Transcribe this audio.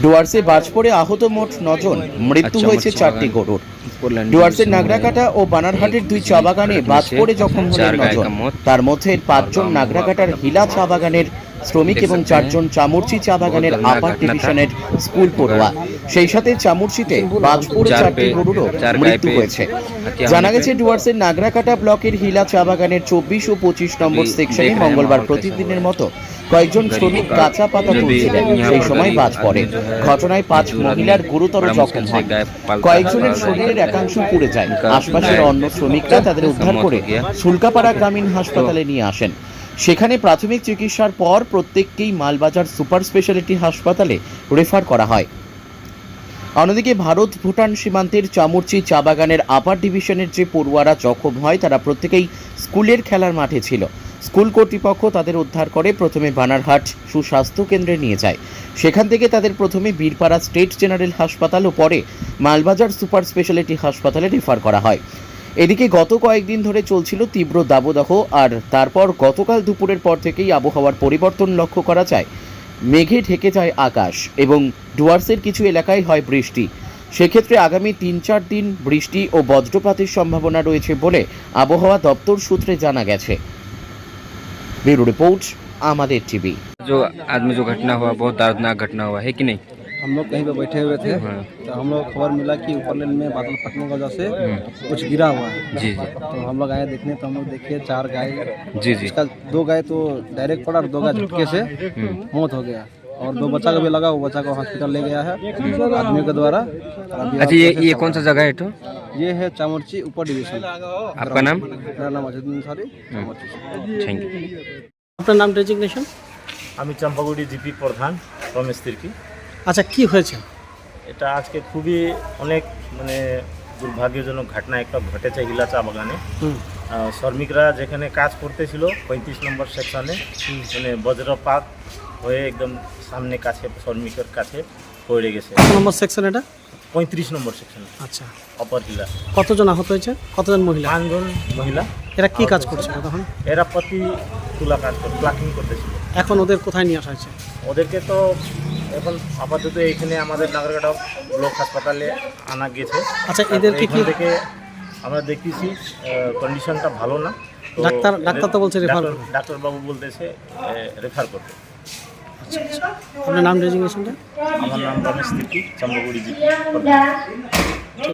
ডুয়ার্সে বাজ পড়ে আহত মোট 9 জন, মৃত্যু হয়েছে 4টি গরুর। ডুয়ার্সের নাগরাকাটা ও বানারহাটের 2 চা বাগানে বাজ পড়ে জখম হলেন 9 জন। তার মধ্যে 5 জন নাগরাকাটার হিলা চা বাগানের শ্রমিক এবং 4 জন চামুরচি চা বাগানের আপার ডিভিশনের স্কুল পড়ুয়া। সেই সাথে চামুরচিতে বাজ পড়ে 4টি গরুরও মৃত্যু হয়েছে। জানা গেছে ডুয়ার্সের নাগরাকাটা ব্লকের হিলা চা বাগানের 24 ও 25 নম্বর সেকশনে মঙ্গলবার প্রতিদিনের মতো কয়েকজন শ্রমিক কাঁচা পাতা তুলছিলেন, সেই সময় বাজ পড়ে। ঘটনায় 5 মহিলার গুরুতর জখম হয়, কয়েকজনের শরীরের একাংশ পুড়ে যায়। আশপাশের অন্য শ্রমিকরা তাদের উদ্ধার করে সুলকাপাড়া গ্রামীণ হাসপাতালে নিয়ে আসেন। সেখানে প্রাথমিক চিকিৎসার পর প্রত্যেককেই মালবাজার সুপার স্পেশালিটি হাসপাতালে রেফার করা হয়। অন্যদিকে ভারত ভুটান সীমান্তের চামুরচি চা বাগানের আপার ডিভিশনের যে পড়ুয়ারা জখম হয় তারা প্রত্যেকেই স্কুলের খেলার মাঠে ছিল। স্কুল কর্তৃপক্ষ তাদের উদ্ধার করে প্রথমে বানারহাট সুস্বাস্থ্য কেন্দ্রে নিয়ে যায়। সেখান থেকে তাদের প্রথমে বীরপাড়া স্টেট জেনারেল হাসপাতাল ও পরে মালবাজার সুপার স্পেশালিটি হাসপাতালে রেফার করা হয়। এদিকে গত কয়েকদিন ধরে চলছিল তীব্র দাবদাহ, আর তারপর গতকাল দুপুরের পর থেকেই আবহাওয়ার পরিবর্তন লক্ষ্য করা যায়। মেঘে ঢেকে যায় আকাশ এবং ডুয়ার্সের কিছু এলাকায় হয় বৃষ্টি। সেক্ষেত্রে আগামী 3-4 দিন বৃষ্টি ও বজ্রপাতের সম্ভাবনা রয়েছে বলে আবহাওয়া দপ্তর সূত্রে জানা গেছে। Bureau report Amader TV. जो आदमी जो घटना हुआ बहुत दर्दनाक घटना हुआ है कि नहीं? हम लोग कहीं पे बैठे हुए थे तो हम लोग खबर मिला कि ऊपर लेन में बादल फटने की वजह से कुछ गिरा हुआ है। जी जी। तो हम लोग आए देखने, तो हम लोग देखे 4 गाय। जी जी। इसका 2 गाय तो डायरेक्ट पड़ा और 2 गाय झटके से मौत हो गया, और 2 बच्चा का भी लगा, वो बच्चा को हॉस्पिटल ले गया है आदमी के द्वारा। अच्छा, ये कौन सा जगह है? तो ये है चामुरची ऊपर डिवीजन। आपका नाम? मेरा नाम अजय अंसारी। Thank you. আপনার নাম ডেজিগনেশন? আমি চম্পাগুড়ি জিপি প্রধান রমেশ তির্কি। আচ্ছা, কি হয়েছে? এটা আজকে খুবই অনেক দুর্ভাগ্যজনক ঘটনা একটা ঘটেছে হিলা চা বাগানে। শ্রমিকরা যেখানে কাজ করতেছিল 35 নম্বর সেকশনে বজ্রপাত হয়ে একদম সামনে কাছে শ্রমিকের কাছে পড়ে গেছে। কত নম্বর সেকশন এটা? 35 নম্বর সেকশন। আচ্ছা, অপর হিলা। কতজন আহত হয়েছে? কতজন মহিলা? 5 জন মহিলা। এরা কি কাজ করছিল তখন? এরা প্রতি তুলা কাজ করে প্লাকিং করতেছিল। এখন ওদের কোথায় নিয়ে আসা হয়েছে? ওদেরকে তো এখন আপাতত এইখানে আমাদের নাগরকাটা ব্লক হাসপাতালে আনা গেছে। আচ্ছা, এদেরকে কি থেকে আমরা দেখতেছি কন্ডিশনটা ভালো না। ডাক্তার তো বলছে রেফার করতে। ডাক্তারবাবু বলতেছে রেফার করতে। আচ্ছা আচ্ছা, আপনার নাম ডেজিগনেশনটা? আমার নাম রমেশ তির্কি, চম্পাগুড়ি জিপি।